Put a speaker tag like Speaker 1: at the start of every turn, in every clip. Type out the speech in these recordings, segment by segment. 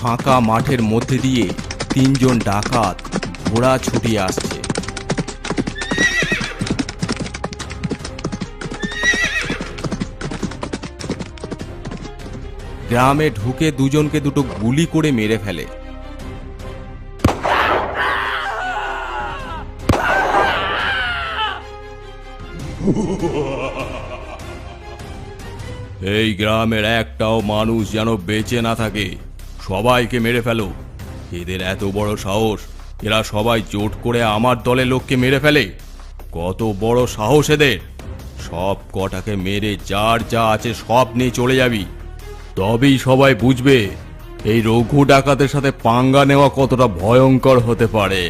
Speaker 1: ফাঁকা মাঠের মধ্যে দিয়ে 3 জন ডাকাত ঘোড়া ছুটিয়ে আসছে। গ্রামে ঢুকে দুজনকে দুটো গুলি করে মেরে ফেলে। এই গ্রামের একটাও মানুষ যেন বেঁচে না থাকে, সবাইকে মেরে ফেলো। এদের এত বড় সাহস, এরা সবাই জোট করে আমার দলের লোককে মেরে ফেলে। কত বড় সাহস এদের! সব কটাকে মেরে যার যা আছে সব নিয়ে চলে যাবি, তবেই সবাই বুঝবে এই রঘু ডাকাতের সাথে পাঙ্গা নেওয়া কতটা ভয়ঙ্কর হতে পারে।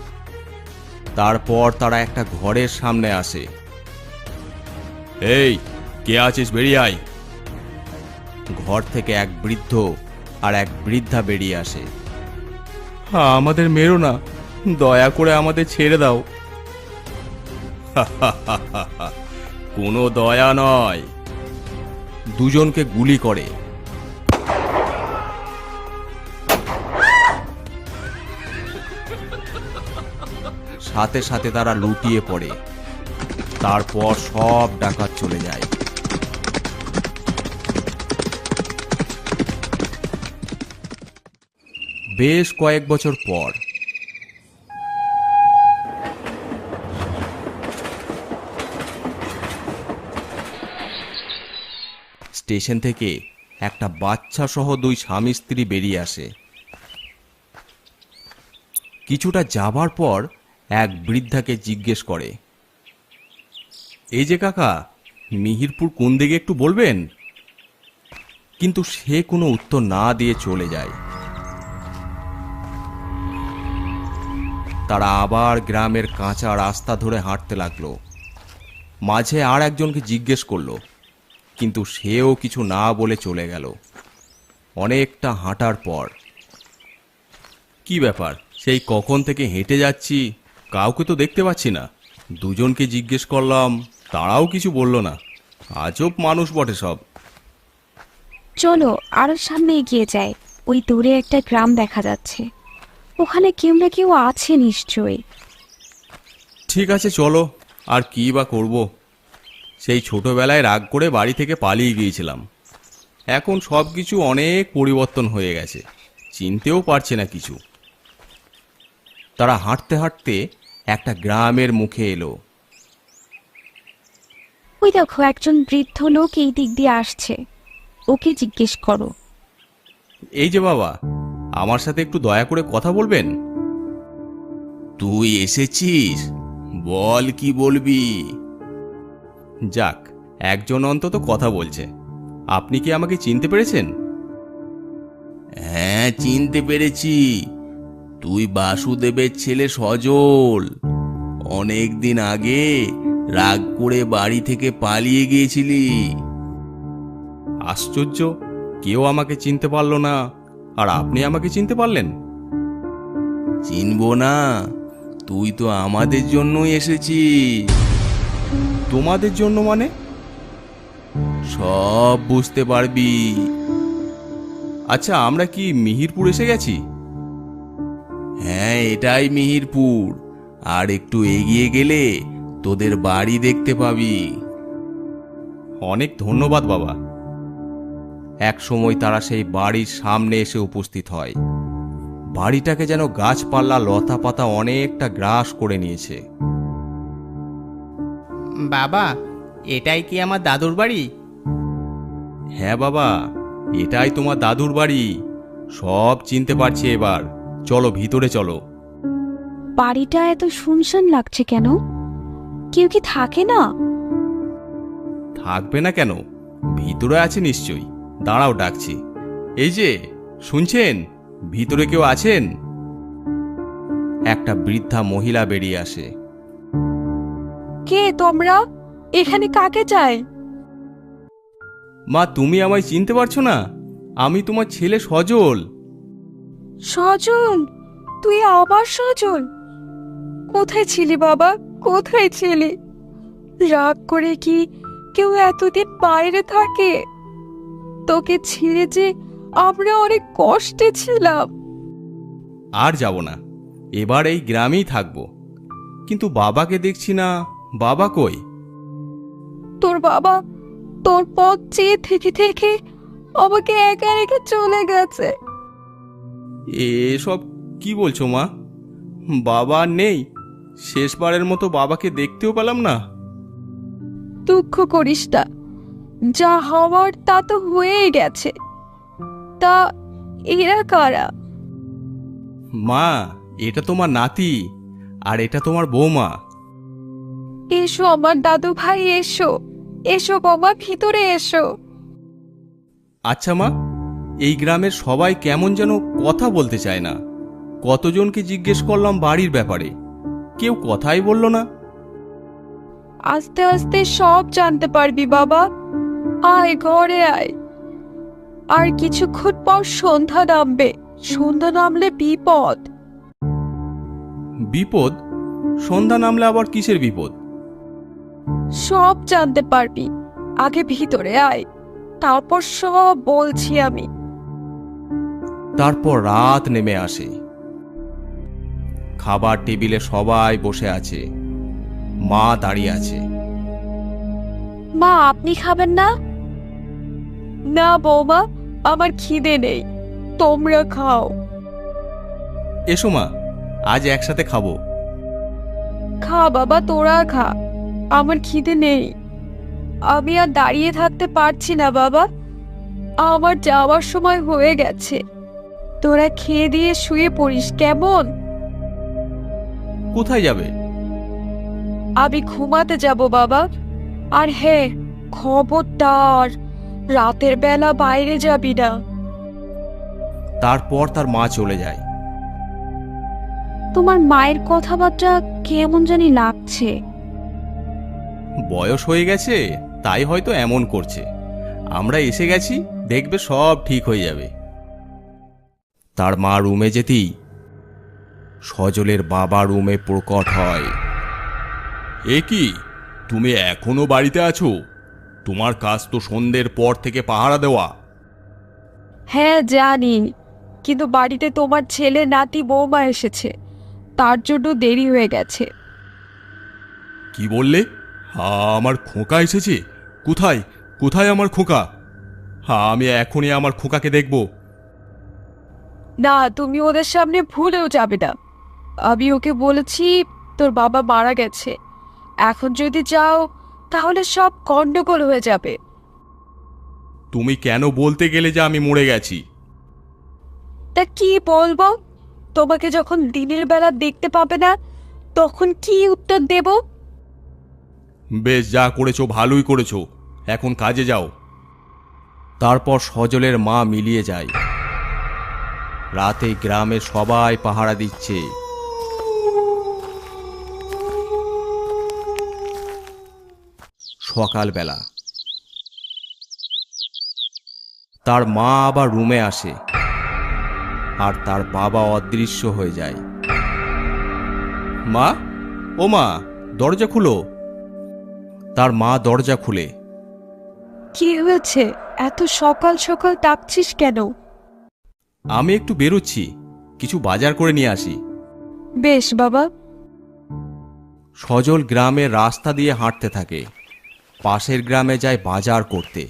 Speaker 1: তারপর তারা একটা ঘরের সামনে আসে। এই, কে আছিস, বেরিয়ে আয়। ঘর থেকে এক বৃদ্ধ আর এক বৃদ্ধা বেরিয়ে আসে। আমাদের মেরো না, দয়া করে আমাদের ছেড়ে দাও। কোনো দয়া নয়, দুজনকে গুলি করে। সাথে সাথে তারা লুটিয়ে পড়ে। তারপর সব ডাকাত চলে যায়। বেশ কয়েক বছর পর স্টেশন থেকে একটা বাচ্চা সহ 2 স্বামী স্ত্রী বেরিয়ে আসে। কিছুটা যাবার পর এক বৃদ্ধাকে জিজ্ঞেস করে, এই যে কাকা, মিহিরপুর কোন দিকে একটু বলবেন? কিন্তু সে কোনো উত্তর না দিয়ে চলে যায়। তারা আবার গ্রামের কাঁচা রাস্তা ধরে হাঁটতে লাগলো। মাঝে আর একজনকে জিজ্ঞেস করলো, কিন্তু সেও কিছু না বলে চলে গেল। অনেকটা হাঁটার পর, কি ব্যাপার, সেই কখন থেকে হেঁটে যাচ্ছি, কাউকে তো দেখতে পাচ্ছি না। দুজনকে জিজ্ঞেস করলাম, তারাও কিছু বলল না। আজব মানুষ বটে সব।
Speaker 2: চলো আরো সামনে এগিয়ে যাই, ওই দূরে একটা গ্রাম দেখা যাচ্ছে, ওখানে কেউ না কেউ আছে নিশ্চয়ই।
Speaker 1: ঠিক আছে চলো, আর কি বা করব। সেই ছোটবেলায় রাগ করে বাড়ি থেকে পালিয়ে গিয়েছিলাম। এখন সব কিছু অনেক পরিবর্তন হয়ে গেছে, চিনতেও পারছে না কিছু। তারা হাঁটতে হাঁটতে একটা গ্রামের মুখে এলো।
Speaker 2: ওই দেখো, একজন বৃদ্ধ লোক এই দিক দিয়ে আসছে, ওকে জিজ্ঞেস করো।
Speaker 1: এই যে বাবা, আমার সাথে একটু দয়া করে কথা বলবেন? তুই এসেছিস, বল কি বলবি। যাক, একজন অন্তত কথা বলছে। আপনি কি আমাকে চিনতে পেরেছেন? হ্যাঁ, চিনতে পেরেছি। তুই বাসুদেবের ছেলে সজল। অনেক দিন আগে রাগ করে বাড়ি থেকে পালিয়ে গিয়েছিলি। আশ্চর্য, কেউ আমাকে চিনতে পারল না, আর আপনি আমাকে চিনতে পারলেন? চিনবো না? তুই তো আমাদের জন্যই এসেছিস। তোমাদের জন্য মানে? সব বুঝতে পারবি। আচ্ছা, আমরা কি মিহিরপুর এসে গেছি? হ্যাঁ, এটাই মিহিরপুর। আর একটু এগিয়ে গেলে তোদের বাড়ি দেখতে পাবি। অনেক ধন্যবাদ বাবা। এক সময় তারা সেই বাড়ির সামনে এসে উপস্থিত হয়। বাড়িটাকে যেন গাছপালা লতা পাতা অনেকটা গ্রাস করে নিয়েছে।
Speaker 3: বাবা, এটাই কি আমার দাদুর বাড়ি?
Speaker 1: হ্যাঁ বাবা, এটাই তোমার দাদুর বাড়ি। সব চিনতে পারছি এবার। চলো ভিতরে চলো।
Speaker 2: বাড়িটা এত শুনশান লাগছে কেন? কেউ কি থাকে না?
Speaker 1: থাকবে না কেন, ভিতরে আছে নিশ্চয়ই। দাঁড়াও, ডাকছি। এই যে, শুনছেন? ভিতরে কেউ আছেন? একটা বৃদ্ধা মহিলা বেরিয়ে আসে।
Speaker 2: কে তোমরা? এখানে কাকে চাই?
Speaker 1: মা, তুমি আমায় চিনতে পারছো না? আমি তোমার ছেলে সজল।
Speaker 2: সজল? তুই আবার সজল? কোথায় ছিলি বাবা, কোথায় ছিলি? রাগ করে কি কেউ এতদিন বাইরে থাকে? তোকে ছেড়ে যে আমরা অনেক কষ্টে ছিলাম।
Speaker 1: আর যাব না, এবার এই গ্রামেই থাকবো। কিন্তু বাবাকে দেখছি না, বাবা কই?
Speaker 2: তোর বাবা তোর পথ চেয়ে থেকে থেকে আমাকে একা রেখে চলে গেছে।
Speaker 1: এসব কি বলছো মা? বাবা আর নেই? শেষবারের মতো বাবাকে দেখতেও পেলাম না।
Speaker 2: দুঃখ করিস না, যা হওয়ার তা তো হয়েই গেছে। তা এরা কারা?
Speaker 1: মা, এটা তোমার নাতি, আর এটা তোমার বৌমা।
Speaker 2: এসো আমার দাদু ভাই, এসো এসো বাবা, ভিতরে এসো।
Speaker 1: আচ্ছা মা, এই গ্রামের সবাই কেমন যেন কথা বলতে চায় না। কতজনকে জিজ্ঞেস করলাম বাড়ির ব্যাপারে, কেউ কথাই বলল না।
Speaker 2: আস্তে আস্তে সব জানতে পারবি বাবা। আয় ঘরে আয়। আর কিছুক্ষণ পর সন্ধ্যা নামবে, সন্ধ্যা নামলে বিপদ।
Speaker 1: বিপদ? সন্ধ্যা নামলে আবার কিসের বিপদ?
Speaker 2: সব জানতে পারবি, আগে ভিতরে আয়, তারপর সব বলছি আমি।
Speaker 1: তারপর রাত নেমে আসে। খাবার টেবিলে সবাই বসে আছে, মা দাঁড়িয়ে আছে।
Speaker 2: মা, আপনি খাবেন না? না বৌমা, আমার খিদে নেই, তোমরা খাও।
Speaker 1: এসো মা, আজ একসাথে খাবো।
Speaker 2: খা বাবা, তোরা খা, আমার খিদে নেই। আমি আর দাঁড়িয়ে থাকতে পারছি না বাবা, আমার যাওয়ার সময় হয়ে গেছে। তোরা খেয়ে দিয়ে শুয়ে পড়িস কেমন?
Speaker 1: কোথায় যাবে?
Speaker 2: আমি ঘুমাতে যাব বাবা। আর হ্যাঁ, খবরদার রাতের বেলা বাইরে যাবি না।
Speaker 1: তারপর তার মা চলে যায়।
Speaker 2: তোমার মায়ের কথাবার্তা কেমন জানি লাগছে।
Speaker 1: বয়স হয়ে গেছে, তাই হয়তো এমন করছে। আমরা এসে গেছি, দেখবে সব ঠিক হয়ে যাবে। তার মা রুমে যেতেই সজলের বাবা রুমে প্রকট হয়। এ কি, তুমি এখনো বাড়িতে আছো? তোমার কাজ তো সন্ধ্যের পর থেকে পাহারা দেওয়া।
Speaker 2: হ্যাঁ জানি, কিন্তু বাড়িতে তোমার ছেলে নাতি বৌমা এসেছে, তার জন্য দেরি হয়ে গেছে।
Speaker 1: কি বললে? আমার খোকা এসেছে? কোথায় কোথায় আমার খোকা? আমি এখনই আমার খোকাকে দেখব।
Speaker 2: না, তুমি ওদের সামনে ভুলেও যাবে না। আমি ওকে বলেছি তোর বাবা মারা গেছে, এখন যদি যাও তাহলে সব গন্ডগোল হয়ে যাবে।
Speaker 1: তুমি কেন বলতে গেলে যে আমি মরে গেছি?
Speaker 2: তা কি বলবো? তোমাকে যখন দিনের বেলা দেখতে পাবে না, তখন কি উত্তর দেব?
Speaker 1: বেশ, যা করেছো ভালোই করেছো, এখন কাজে যাও। তারপর সজলের মা মিলিয়ে যায়। রাতে গ্রামের সবাই পাহারা দিচ্ছে। সকালবেলা তার মা আবার রুমে আসে, আর তার বাবা অদৃশ্য হয়ে যায়। মা, ও মা, দরজা খুলো। তার মা দরজা খুলে।
Speaker 2: কি হয়েছে? এত সকাল সকাল ডাকছিস কেন?
Speaker 1: আমি একটু বেরোচ্ছি, কিছু বাজার করে নিয়ে আসি।
Speaker 2: বেশ বাবা।
Speaker 1: সজল গ্রামের রাস্তা দিয়ে হাঁটতে থাকে, পাশের গ্রামে যায় বাজার করতে।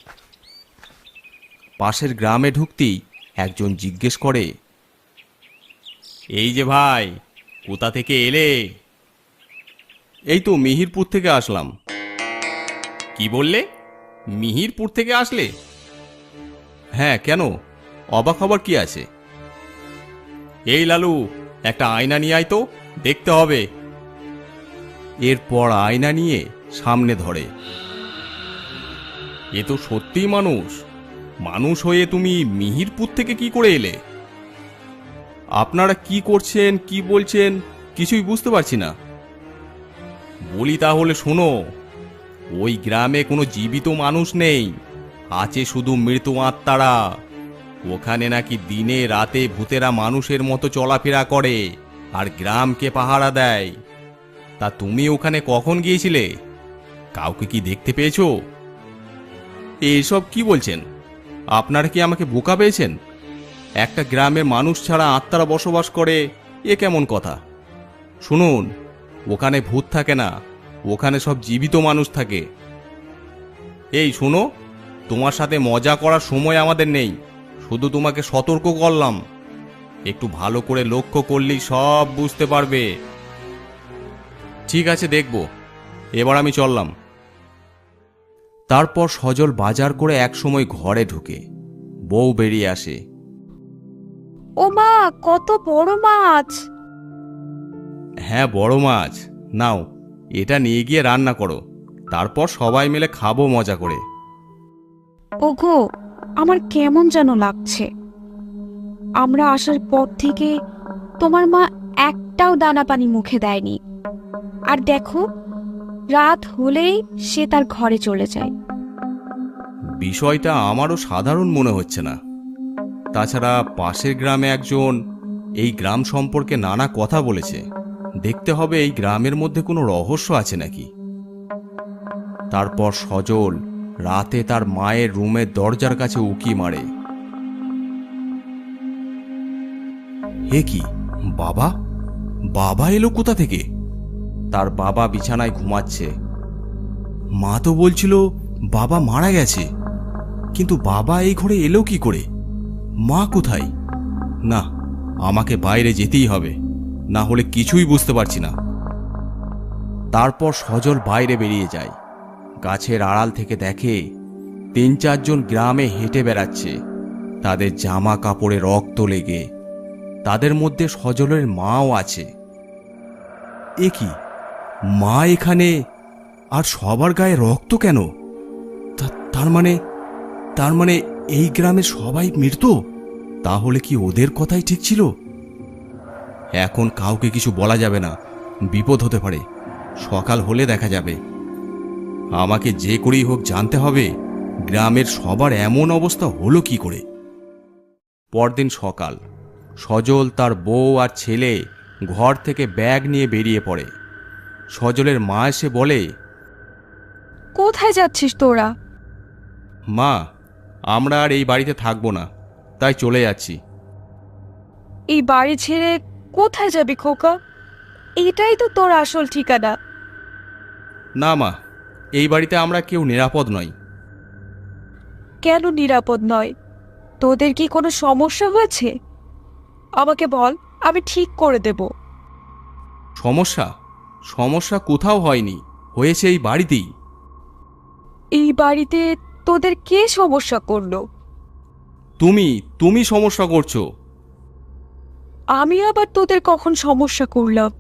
Speaker 1: পাশের গ্রামে ঢুকতেই একজন জিজ্ঞেস করে, এই যে ভাই, কোথা থেকে এলে? এই তো মিহিরপুর থেকে আসলাম। কি বললে? মিহিরপুর থেকে আসলে? হ্যাঁ, কেন, অবাক হবার কি আছে? এই লালু, একটা আয়না নিয়ে আয় তো, দেখতে হবে। এরপর আয়না নিয়ে সামনে ধরে। এ তো সত্যিই মানুষ। মানুষ হয়ে তুমি মিহিরপুর থেকে কি করে এলে? আপনারা কি করছেন, কি বলছেন, কিছুই বুঝতে পারছি না। বলি তাহলে শোনো, ওই গ্রামে কোনো জীবিত মানুষ নেই, আছে শুধু মৃত আত্মারা। ওখানে নাকি দিনে রাতে ভূতেরা মানুষের মতো চলাফেরা করে আর গ্রামকে পাহারা দেয়। তা তুমি ওখানে কখন গিয়েছিলে? কাউকে কি দেখতে পেয়েছো? এসব কি বলছেন? আপনারা কি আমাকে বোকা পেয়েছেন? একটা গ্রামে মানুষ ছাড়া আত্মারা বসবাস করে, এ কেমন কথা? শুনুন, ওখানে ভূত থাকে না, ওখানে সব জীবিত মানুষ থাকে। এই শোনো, তোমার সাথে মজা করার সময় আমাদের নেই, শুধু তোমাকে সতর্ক করলাম। একটু ভালো করে লক্ষ্য করলেই সব বুঝতে পারবে। ঠিক আছে, দেখব। এবার আমি চললাম। তারপর সজল বাজার করে একসময় ঘরে ঢুকে বউ বেরিয়ে আসে।
Speaker 2: ও মা, কত বড় মাছ!
Speaker 1: হ্যাঁ, বড় মাছ। নাও, এটা নিয়ে গিয়ে রান্না করো, তারপর সবাই মিলে খাবো মজা করে।
Speaker 2: ওগো, আমার কেমন যেন লাগছে। আমরা আসার পর থেকে তোমার মা একটাও দানা পানি মুখে দেয়নি। আর দেখো, রাত হলেই সে তার ঘরে চলে যায়।
Speaker 1: বিষয়টা আমারও সাধারণ মনে হচ্ছে না। তাছাড়া পাশের গ্রামে একজন এই গ্রাম সম্পর্কে নানা কথা বলেছে। দেখতে হবে এই গ্রামের মধ্যে কোনো রহস্য আছে নাকি। তারপর সজল রাতে তার মায়ের রুমের দরজার কাছে উকি মারে। হে কি, বাবা? বাবা এলো কোথা থেকে? তার বাবা বিছানায় ঘুমাচ্ছে। মা তো বলছিল বাবা মারা গেছে, কিন্তু বাবা এই ঘরে এলো কি করে? মা কোথায়? না, আমাকে বাইরে যেতেই হবে, না হলে কিছুই বুঝতে পারছি না। তারপর সজল বাইরে বেরিয়ে যায়। গাছের আড়াল থেকে দেখে ৩-৪ জন গ্রামে হেঁটে বেড়াচ্ছে, তাদের জামা কাপড়ে রক্ত লেগে। তাদের মধ্যে সজলের মাও আছে। এ কি, মা এখানে, আর সবার গায়ে রক্ত কেন? তার মানে এই গ্রামের সবাই মৃত? তাহলে কি ওদের কথাই ঠিক ছিল? এখন কাউকে কিছু বলা যাবে না, বিপদ হতে পারে। সকাল হলে দেখা যাবে। আমাকে যে করেই হোক জানতে হবে গ্রামের সবার এমন অবস্থা হলো কি করে। পরদিন সকাল, সজল, তার বউ আর ছেলে ঘর থেকে ব্যাগ নিয়ে বেরিয়ে পড়ে। সজলের মা এসে বলে,
Speaker 2: কোথায় যাচ্ছিস তোরা?
Speaker 1: মা, আমরা আর এই বাড়িতে থাকবো না, তাই চলে যাচ্ছি।
Speaker 2: এই বাড়ি ছেড়ে কোথায় যাবি খোকা? এটাই তো তোর আসল ঠিকানা।
Speaker 1: না মা, এই বাড়িতে আমরা কেউ নিরাপদ নই।
Speaker 2: কেন নিরাপদ নয়? তোদের কি কোনো সমস্যা হয়েছে? আমাকে বল, আমি ঠিক করে দেব।
Speaker 1: সমস্যা কোথাও হয়নি, হয়েছে এই বাড়িতেই।
Speaker 2: এই বাড়িতে তোদের কে সমস্যা করলো?
Speaker 1: তুমি সমস্যা করছো।
Speaker 2: আমি আবার তোদের কখন সমস্যা করলাম?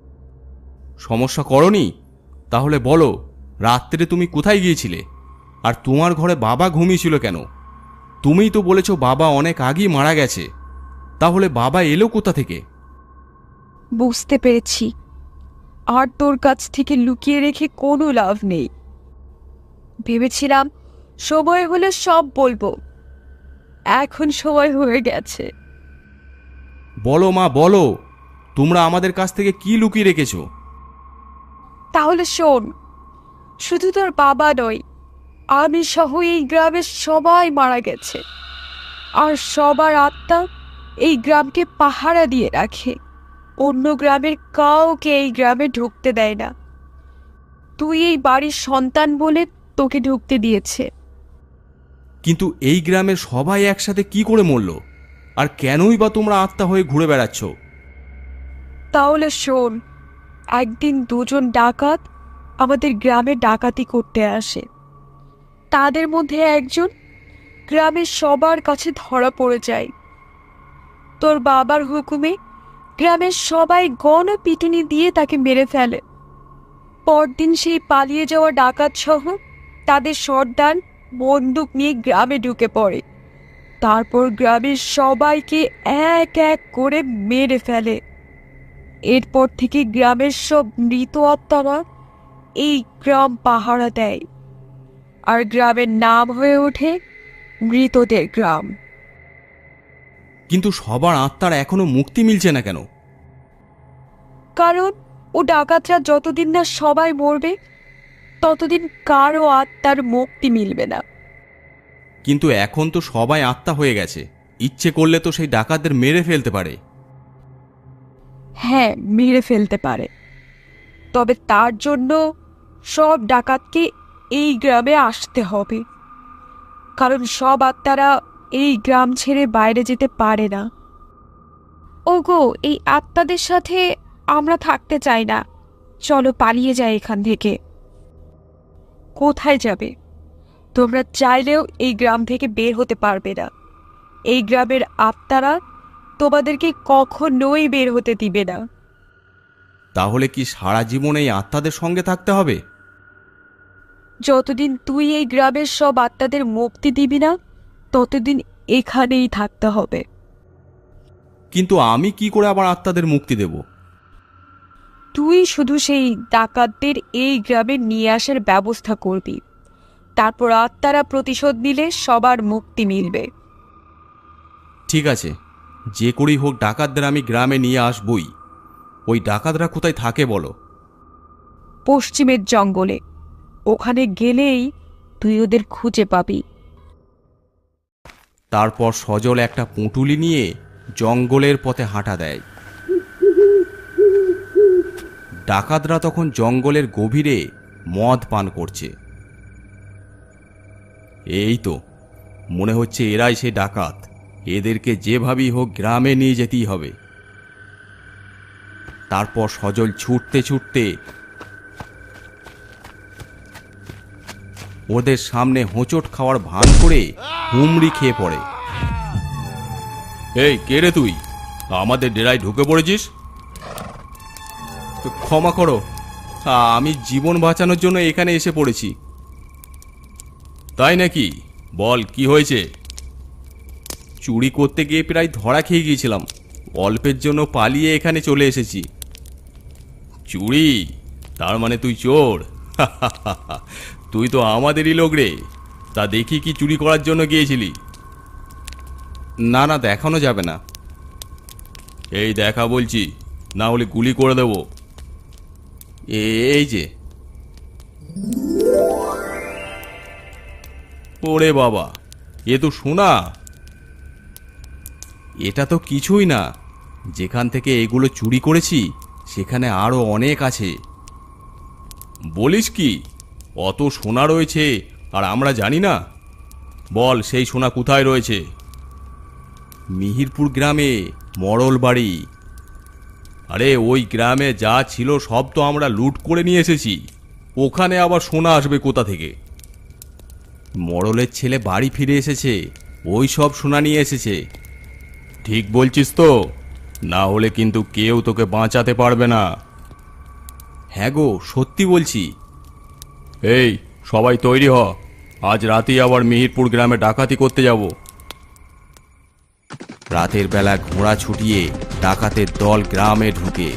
Speaker 1: সমস্যা করনি? তাহলে বলো, রাত্রে তুমি কোথায় গিয়েছিলে? আর তোমার ঘরে বাবা ঘুমিয়েছিল কেন? তুমিই তো বলেছো বাবা অনেক আগেই মারা গেছে। তাহলে বাবা এলো কোথা থেকে?
Speaker 2: বুঝতে পেরেছি, আর তোর কাছ থেকে লুকিয়ে রেখে কোনো লাভ নেই। ভেবেছিলাম সময় হলে সব বলবো, এখন সময় হয়ে গেছে।
Speaker 1: বলো মা, বলো, তোমরা আমাদের কাছ থেকে কি লুকিয়ে রেখেছো?
Speaker 2: তাহলে শোন, শুধু তোর বাবা নয়, আমি সহ এই গ্রামের সবাই মারা গেছে। আর সবার আত্মা এই গ্রামকে পাহারা দিয়ে রাখে। অন্য গ্রামের কাউকে এই গ্রামে ঢুকতে দেয় না। তুই এই বাড়ির সন্তান বলে তোকে ঢুকতে দিয়েছে।
Speaker 1: কিন্তু এই গ্রামের সবাই একসাথে কি করে মরল? আর কেনই বা তোমরা আত্মা হয়ে ঘুরে বেড়াচ্ছ?
Speaker 2: তাহলে শোন, একদিন দুজন ডাকাত আমাদের গ্রামে ডাকাতি করতে আসে। তাদের মধ্যে একজন গ্রামের সবার কাছে ধরা পড়ে যায়। তোর বাবার হুকুমে গ্রামের সবাই গণপিটুনি দিয়ে তাকে মেরে ফেলে। পরদিন সেই পালিয়ে যাওয়া ডাকাত সহ তাদের সর্দার বন্দুক নিয়ে গ্রামে ঢুকে পড়ে। তারপর গ্রামের সবাইকে এক এক করে মেরে ফেলে। এরপর থেকে গ্রামের সব মৃত আত্মারা এই গ্রাম পাহারা দেয়, আর গ্রামের নাম হয়ে ওঠে মৃতদের গ্রাম।
Speaker 1: কিন্তু সবার আত্মার এখনো মুক্তি মিলছে না কেন?
Speaker 2: কারণ ও ডাকাতরা যতদিন না সবাই মরবে, ততদিন কারো আত্মার মুক্তি মিলবে না।
Speaker 1: কিন্তু এখন তো সবাই আত্মা হয়ে গেছে, ইচ্ছে করলে তো সেই ডাকাতদের মেরে ফেলতে পারে।
Speaker 2: হ্যাঁ, মেরে ফেলতে পারে, তবে তার জন্য সব ডাকাতকে এই গ্রামে আসতে হবে, কারণ সব আত্মারা এই গ্রাম ছেড়ে বাইরে যেতে পারে না। ওগো, এই আত্মাদের সাথে আমরা থাকতে চাই না, চলো পালিয়ে যাই এখান থেকে। কোথায় যাবে? তোমরা চাইলেও এই গ্রাম থেকে বের হতে পারবে না। এই গ্রামের আত্মারা তোমাদেরকে কখনোই বের হতে দিবে না।
Speaker 1: তাহলে কি সারা জীবন এই আত্মাদের সঙ্গে থাকতে হবে?
Speaker 2: যতদিন তুই এই গ্রামের সব আত্মাদের মুক্তি দিবি না, ততদিন এখানেই থাকতে হবে।
Speaker 1: কিন্তু আমি কি করে আবার আত্মাদের মুক্তি দেব?
Speaker 2: তুই শুধু সেই ডাকাতদের এই গ্রামে নিয়ে আসার ব্যবস্থা করবি, তারপর আত্মারা প্রতিশোধ নিলে সবার মুক্তি মিলবে।
Speaker 1: ঠিক আছে, যে করেই হোক ডাকাতদের আমি গ্রামে নিয়ে আসবই। ওই ডাকাতরা কোথায় থাকে বলো?
Speaker 2: পশ্চিমের জঙ্গলে, ওখানে গেলেই তুই ওদের খুঁজে পাবি।
Speaker 1: তারপর সজল একটা পুঁটুলি নিয়ে জঙ্গলের পথে হাঁটা দেয়। ডাকাতরা তখন জঙ্গলের গভীরে মদ পান করছে। এই তো মনে হচ্ছে এরাই সে ডাকাত। এদেরকে যেভাবেই হোক গ্রামে নিয়ে যেতেই হবে। তারপর সজল ছুটতে ছুটতে ওদের সামনে হোঁচট খাওয়ার ভান করে হুমড়ি খেয়ে পড়ে। এই কে রে তুই? আমাদের ডেরায় ঢুকে পড়েছিস? ক্ষমা করো, আমি জীবন বাঁচানোর জন্য এখানে এসে পড়েছি। তাই নাকি? বল কি হয়েছে? চুরি করতে গিয়ে প্রায় ধরা খেয়ে গিয়েছিলাম, অল্পের জন্য পালিয়ে এখানে চলে এসেছি। চুরি? তার মানে তুই চোর? তুই তো আমাদেরই লোক রে। তা দেখি কি চুরি করার জন্য গিয়েছিলি? না না, দেখানো যাবে না। এই দেখা বলছি, না হলে গুলি করে দেব। এই যে। ওরে বাবা, এ তো সোনা। এটা তো কিছুই না, যেখান থেকে এগুলো চুরি করেছি সেখানে আরো অনেক আছে। বলিস কি? অত সোনা রয়েছে আর আমরা জানি না? বল সেই সোনা কোথায় রয়েছে? মিহিরপুর গ্রামে মরল বাড়ি। আরে ওই গ্রামে যা ছিল সব তো আমরা লুট করে নিয়ে এসেছি, ওখানে আবার সোনা আসবে কোথা থেকে? মরলের ছেলে বাড়ি ফিরে এসেছে, ওই সব সোনা নিয়ে এসেছে। ঠিক বলছিস তো? না হলে কিন্তু কেউ তোকে বাঁচাতে পারবে না। হ্যাঁ গো, সত্যি বলছি। এই সবাই তৈরি হ, আজ রাতেই আবার মিহিরপুর গ্রামে ডাকাতি করতে যাব। রাতের বেলা ঘোড়া ছুটিয়ে ডাকাতের দল গ্রামে ঢুকে।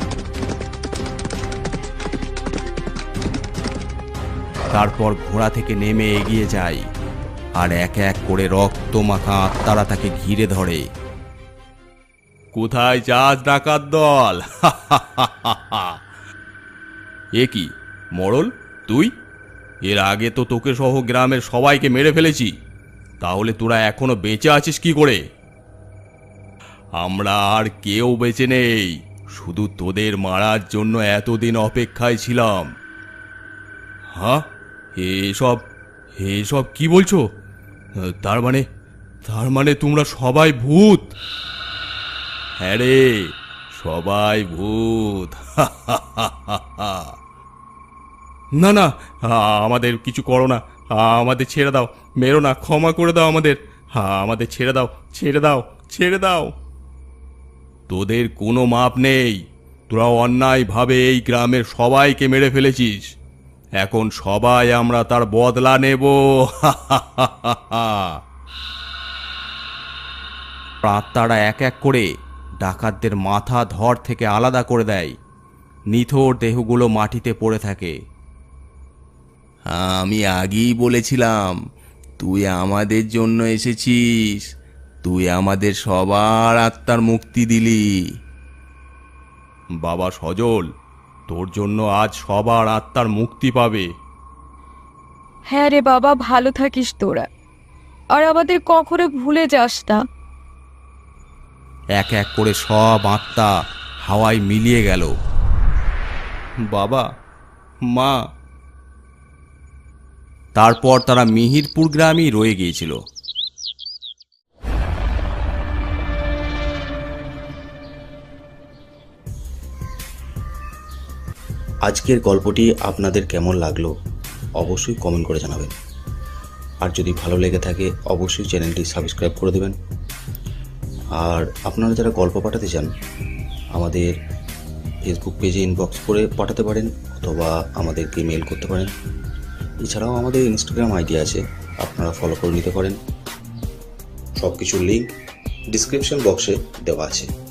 Speaker 1: তারপর ঘোড়া থেকে নেমে এগিয়ে যায়, আর এক এক করে রক্ত মাখা আত্মারা তাকে ঘিরে ধরে। কোথায় যাস ডাকাত দল? এ কি মরল, তুই? এর আগে তো তোকে সহ গ্রামের সবাইকে মেরে ফেলেছি, তাহলে তোরা এখনো বেঁচে আছিস কি করে? আমরা আর কেউ বেঁচে নেই, শুধু তোদের মারার জন্য এতদিন অপেক্ষায় ছিলাম। হ্যাঁ, এসব এসব কি বলছো? তার মানে তোমরা সবাই ভূত? হ্যাঁ রে, সবাই ভূত। না না, আমাদের কিছু করো না, আমাদের ছেড়ে দাও, মেরো না, ক্ষমা করে দাও আমাদের। আমাদের ছেড়ে দাও, ছেড়ে দাও, ছেড়ে দাও। তোদের কোনো মাপ নেই, তোরা অন্যায়ভাবে এই গ্রামের সবাইকে মেরে ফেলেছিস, এখন সবাই আমরা তার বদলা নেব। আত্মারা এক এক করে ডাকাতদের মাথা ধর থেকে আলাদা করে দেয়, নিথর দেহগুলো মাটিতে পড়ে থাকে। আমি আগেই বলেছিলাম তুই আমাদের জন্য এসেছিস, তুই আমাদের সবার আত্মার মুক্তি দিলি। বাবা সজল, তোর জন্য আজ সবার আত্মার মুক্তি পাবে।
Speaker 2: হ্যাঁ রে বাবা, ভালো থাকিস তোরা। আর আমাদের কখনো ভুলে যাস না।
Speaker 1: এক এক করে সব আত্মা হাওয়ায় মিলিয়ে গেল। বাবা, মা। তারপর তারা মিহিরপুর গ্রামেই রয়ে গিয়েছিল।
Speaker 4: আজকের গল্পটি আপনাদের কেমন লাগলো অবশ্যই কমেন্ট করে জানাবেন। আর যদি ভালো লেগে থাকে অবশ্যই চ্যানেলটি সাবস্ক্রাইব করে দেবেন। আর আপনারা যারা গল্প পাঠাতে চান আমাদের ফেসবুক পেজে ইনবক্স করে পাঠাতে পারেন, অথবা আমাদেরকে মেল করতে পারেন। এছাড়াও আমাদের ইনস্টাগ্রাম আইডি আছে, আপনারা ফলো করে নিতে পারেন। সব কিছুর লিঙ্ক ডিসক্রিপশন বক্সে দেওয়া আছে।